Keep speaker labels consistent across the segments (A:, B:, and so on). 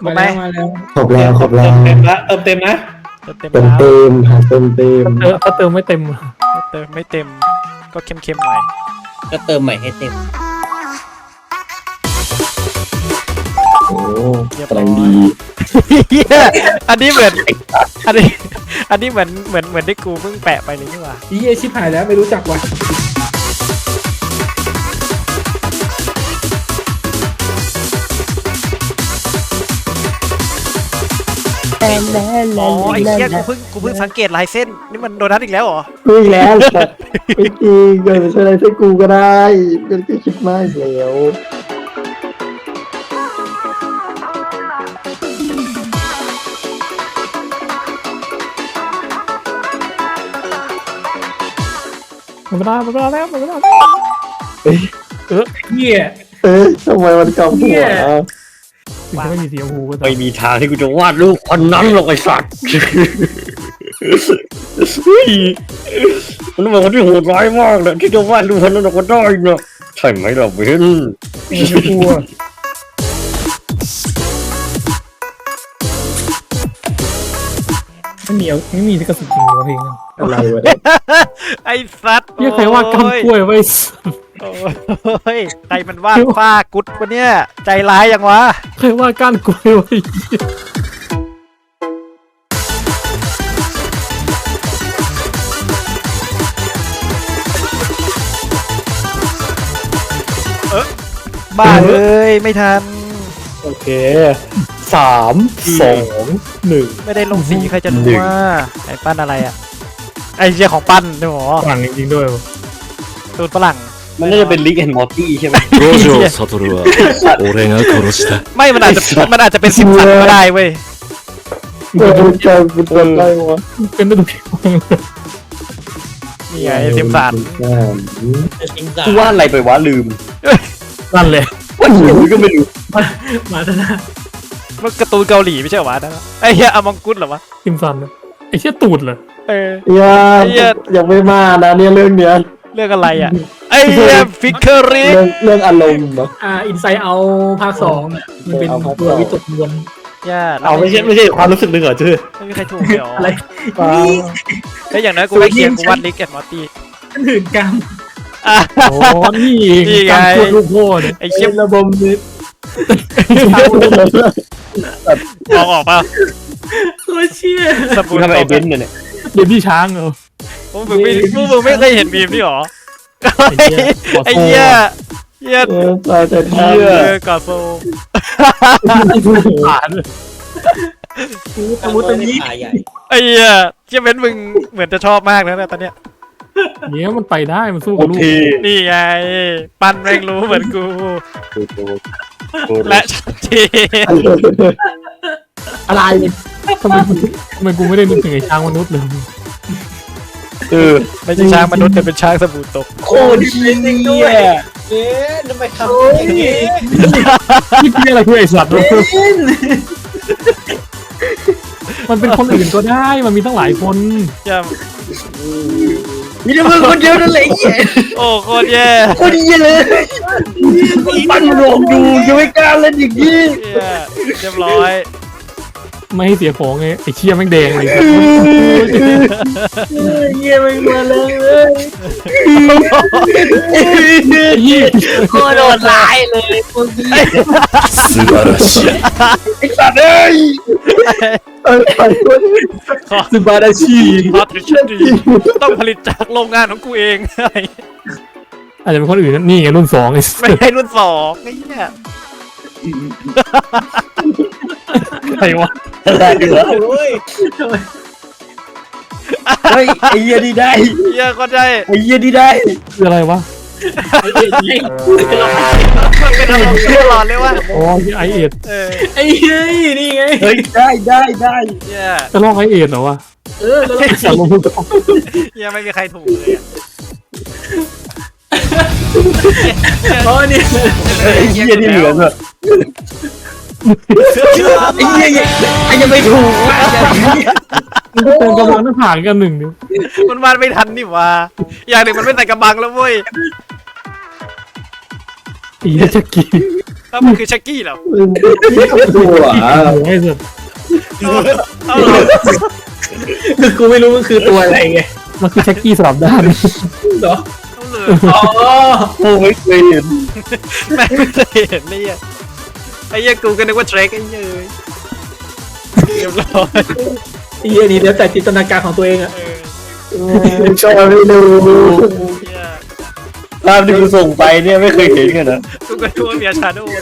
A: ครบไหม
B: มาแล้ว
C: ครบแล้วครบแล้ว
D: เต็มละเติมนะ
C: เต็มเต็มหาเต็มเต็ม
B: ถ้าเติมไม่เต็ม
A: เติมไม่เต็มก็เข้มๆหน่อย
D: ก็เติมใหม่ให้เต็ม
C: โอ้กำลังดี
A: เหี้ยอันนี้เหมือนอันนี้เหมือนที่กูเพิ่งแปะไปเลยนี่หว่า
B: อีเอชิบหายแล้วไม่รู้จักว่ะ
A: อ๋อไอ้เหี้ยกูเพิ่งสังเกตลายเส้นนี่มันโดนัทอีกแล้วเหรอ
C: กูอีกแล้วแต่ไม่จริงเกิดเป็นอะไรใช่กูก็ได้เป็นก็คิดมากแล้ว
B: หมดเวลาแล้ว
E: เหี้ย
C: ทำไมมันเก่าหัว
B: ถึงจะไม่มีสีชมพูก็ตาม
D: ไม่มีทางที่กูจะวาดรูปคนนั้นหรอกไอ้สัตว์มันเป็นคนที่โหดร้ายมากเลยที่จะวาดรูปคนนั้นออกมาได้เนาะใช่ไหมล่ะเบน
B: ไม่กลัวไม่มีลิขสิทธิ์จริงเหรอเพลงนั้น
C: อะไรวะเนี่ย
A: ไอ้สัตว์
B: เรียกใครว่ากำกล้วยไว้
A: โอ้ยใครมันวาดฝ้ากุดวะเนี่ยใจร้ายยังวะ
B: ใครว่าก้านกล้วยไว้
A: บ้าเลยไม่ทัน
B: โอเค3-2-1
A: ไม่ได้ลงสีใครจะรู้ว่าไอ้ปั้นอะไรอ่ะไอ้เชี่ยของปั้นด้วยหรอ
B: ฝั่งจริงๆด้วย
A: ตูนฝรั่ง
D: มันน่าจะเป็นลิกแอนด์มอร์ตี้ใช่ไหม
F: 五条悟は俺が殺した。
A: ไม่มันอาจจะเป็นซิมสันก็ได้เว้ย
C: มันจะเป็นอะไรวะ
B: เป็นได้ทุกเพลง
A: นี่ไงซิมสัน
D: กูวาดอะไรไปวะลืม
B: นั่นแหละ
D: ว่าหนูก็ไม่รู้
E: มาแล้วนะ
A: มันการ์ตูนเกาหลีไม่ใช่เหรอวะนั่นอะไอ้เหี้ยอมองกุดเหรอวะ
B: ซิมซันนะไอ้เชี่ยตูดเหรอ
A: เออ
C: ยังไม่มานะเนี่ยเรื่องเนี้ย
A: เรื่องอะไรอ่ะไอ้เหี้ยฟิกเกอริ
C: เรื่องอารมณ์เนาะ
E: อินไซด์เอาภาค2น่ะมันเป็น
C: เอาภาค
E: ตัว
C: สอง
E: วิตกกังวล
A: ย่า
D: เอาไม่ใช่ความรู้สึกหนึ่งเหรอชื่อ
A: ไม่มีใครถูกเลยเหรอ
E: อะไร
A: ไอ้ยอย่างน้อยกูได้เคียงกูวาดลิกแอนด์มอร์ตี้
E: มันหื่นกรรม
A: อ่ะ
B: โอ้นี่เอง
A: นี่ไง
B: การพูดลูกพ่อเนี่ย
A: ไอ้เชี่ย
C: ระบบนี้
A: มองออกเปล่า
E: โคตรเชี่ย
A: ส
D: กู
A: ปูน
D: ทำไม
A: ต
D: ไอ้
A: ก
D: เบนซ์เนี่ย
B: เดี๋ยวพี่ช้างเหรอ
A: พวกมึงไม่เคยเห็นมีมนี่หรอไอ้เหี้ยเหี้ย
C: ตายแต่เที่ย
A: กอโซ
B: ผ่านเลย
E: อาวุธตัวนี้
A: ไอ้เหี้ยเชี่ยเว้นมึงเหมือนจะชอบมากแล้วนะตอนเนี้ย
B: เนี้ยมันไปได้มันสู้
D: โอ
B: กับลูก
D: เค
A: นี่ไงปั้นแม่งรู้เหมือนกูและชัดเจน
C: อะไร
B: ทำไมกูไม่ได้นึกถึงไอ้ช้างมนุษย์เลย
A: ไม่ใช่ช้างมนุษย์แต่เป็นช้างสบู่ตก
D: โคตรเชี่ยทำไมทำอย่างนี้
B: นี่คืออะไรคือไอ้สัตว์วะมันเป็นคนอื่นก็ได้มันมีตั้งหลายคน
A: อย่า
D: มีแต่มึงคนเดียวนั่นแหละไอ้เหี้ย
A: โอ้โคตรแย่
D: โคตรเหี้ยเลยปั้นรวมดูยังไม่กล้าเล่นอย่างนี้
A: เหี้ยเรียบร้อย
B: ไม่ให้เสียของไงไอ้เชี่ยแม่งแดงเลย
E: เยี่ยมมาเลย
B: ยี่
E: โคตรโดดร้ายเลยพวกนี้
F: 素晴らしい。
D: ไอ้สัตว์เอ้ย
A: ขอ
C: สบาราชี
A: พอถึงดีต้องผลิตจากโรงงานของกูเอง
B: อาจจะเป็นคนอื่นนะนี่ไงรุ่น2ไอ้
A: ไม่ใช่รุ่นสองไอ้เนี่ย
B: ใครวะ
D: อะไรเหรอเฮ้ยไอ้เหี้ยนี่ได้
A: เหี้ยก็ได้
D: ไอ้เหี้ยนี่ได้
B: คืออะไรวะ
A: มันเป็นอารมณ์ตลอดเลยว่า
B: อ๋อไอเอ็ด
E: ไอ้เฮ้ยนี่ไง
D: เฮ้ยได้ได้ได้
A: เหี้ย
B: จะลอกไอเอ็ดเหรอวะ
E: แล้ว
B: อยากลงทุนกับ
A: เหี้ยไม่มีใครถูกเลยอะ
E: เพราะนี่
D: ไอ้เหี้ยนี่เหลืองอะไอ้เหี้ยไอ้ยังไม่ถูกว่ะ
B: มันก็เติมกำลังหน้าผากกันหนึ่งเดียว
A: มันวาดไม่ทันนี่หว่าอย่างหนึ่งมันไม่ใส่กระบังแล้วเว้ย
B: อีจะกี้
A: แล้วมันคือชักกี้เหรอ
C: นี่ก็ตัว
B: หัวไอ้สัส
A: เอาเหรอ
E: คือกูไม่รู้มันคือตัวอะไรไง
B: มันคือแช็กกี้สลับด้าน
E: เหรอ
A: เอาเลย
E: อ๋อ
D: โอ้ไม่เคยเห็น
A: แม่งไม่เคยเห็นเลยอ่ะไอ้เหี้ยกูก็นึกว่าเทรคไอ้เหี้ยเรียบร้อย
E: ไอ้เหี้ยนี่แล้วแต่จินตนาการของตัวเองอะ
C: ก็ไม่รู้
A: เหี้ย
D: ภาพที่กูส่งไปเนี่ยไม่เคยเห็นกันนะ
A: กูก็นึกว่าเมียชาโดว์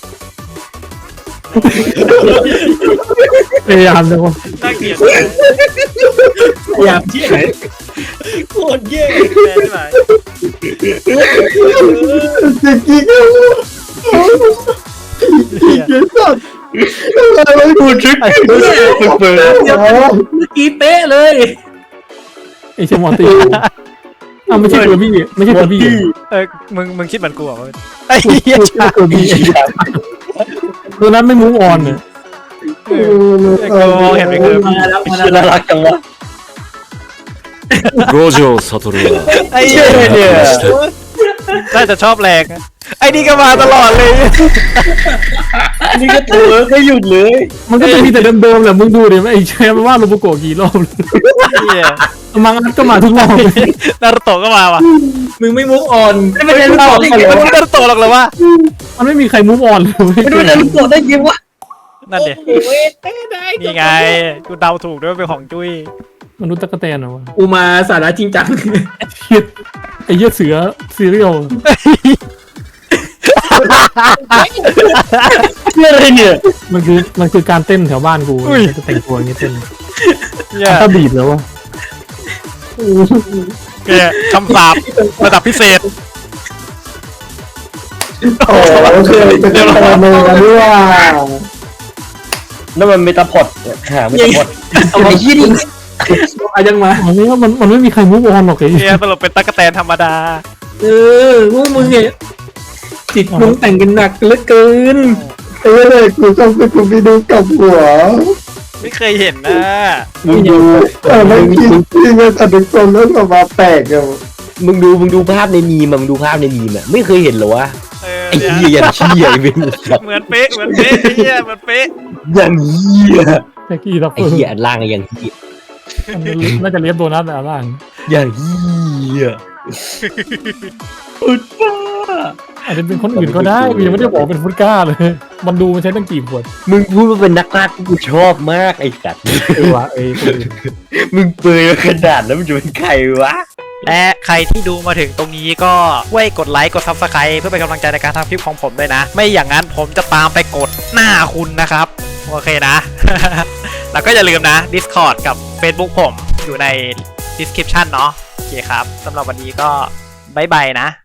B: พยายามเลยว่า
A: น่าเกลียด
E: อยากที่ไหน
D: โคตรแย่
A: แม่ใช่ไหม
C: จะกินก็เยอะสัตว์อะไร
D: กูทริกเปิด
E: เมื่อกี้เป๊ะเลย
B: ไอ้เชมอนตีอ้าวไม่ใช่ตัวพี่ไม่ใช่ตัวพี่
A: มึงคิดเหมือนกูเหรอไอ้เหี้ยชา
B: ตัวพี่ตัวนั้นไม่มูฟออนเนี่ย
A: กูมองเห็นไม่เคย
E: มาแล้วมา
D: ชื่อ
E: แล้ว
D: น่ารักจังวะ
F: 五条悟は
A: ไอ้เหี้ยเนี่ยน่าจะชอบแรงอะไอ้นี่ก็มาตลอดเลย
D: อันนี้ก็ตัวไม่หยุดเลย
B: มันก็จะมีแต่เดิมๆแหละมึงดูดิไอ้แชมป์ว่าโรบุโกะกี่รอบ
A: เหี้ย
B: มังอัดก็มาทุกรอบ
A: นารุโตะก็มาว่ะ
E: มึงไม่มุกออนไม่เป็น
A: เอ้า
E: ไร
A: มันไม่นารุโตะหรอกเหรอวะ
B: มันไม่มีใครมูฟออนเลย
D: ไม่รู้จะรู้ตัวได้ยังวะ
A: นั่นเด็นี่ไงกูเดาถูกด้วยว่าเป็นของจุ้ย
B: มนุษย์ตะกะแตนเหรอวะ
E: กูมาสาระจริงจัง
B: ไอ้เหี้ยเสือซีเรียล
D: เรื่องอะไรเนี่ย
B: มันคือการเต้นแถวบ้านกูจะแต่งตัวอย่างนี้เต้น
A: เหี้ย
B: ถ้าบีบแล้ววะ
A: แกคำสาประดับพิเศษ
C: โอ้เคยเป็นอะไรมาด้วย
D: นั่นมันเมตาพอดหาเมตาพอด
E: เอาไอ้ยี่นี่อายังมา
B: อันนี้มันไม่มีใครมูฟออนหรอกไอ้
A: เฮียสรุปเป็นตั๊กแตนธรรมดา
E: พวกมึงเนี่ยจิตมึงแต่งกันหนักเหลือเกิน
C: ไอ้เลยกูต้องไปกูไปดูกับหัว
A: ไม่เคยเห็นนะ
D: มึงดู
C: ไม่คิดที่มันตัดตรงแล้วออกมาแตกอะ
D: มึงดูภาพในมีมมึงดูภาพในมีมไม่เคยเห็นเหรอวะ
A: เออ
D: ไอ้
A: เนี่ย
D: เหี้ยอย่างเหี้ยไอ้เว้ย
A: เหมือนเป๊ะเหมือนเป๊ะไอ้เฮียเหมือนเป๊ะ
D: อย่างเหี้ย
B: แจ็คกี้ทัฟเฟ
D: ไอ้
B: อร์
D: เหี้ยอันล่างไอ้อย่างเหี้ย
B: น่าจะเลียบโดนัทแต่ล่าง
D: อย่างเหี้ย
B: อาจจะเป็นคนอื่นก็ได้กูยังไม่ได้บอกเป็นฟุตก้าเลย มันดูมันใช้ตั้งกี่ขวด
D: มึงพูดว่าเป็นนักพากย์กูชอบมากไอ้สัตว์
B: วะคนอื่น
D: มึงเปรย์ขนาดแล้วมันจะเป็นใครวะ
A: และใครที่ดูมาถึงตรงนี้ก็ช่วยกดไลค์กด Subscribe เพื่อเป็นกำลังใจในการทำคลิปของผมด้วยนะ ไม่อย่างนั้นผมจะตามไปกดหน้าคุณนะครับโอเคนะ แล้วก็อย่าลืมนะ Discord กับ Facebook ผมอยู่ใน description เนาะโอเคครับสำหรับวันนี้ก็บ๊ายบายนะ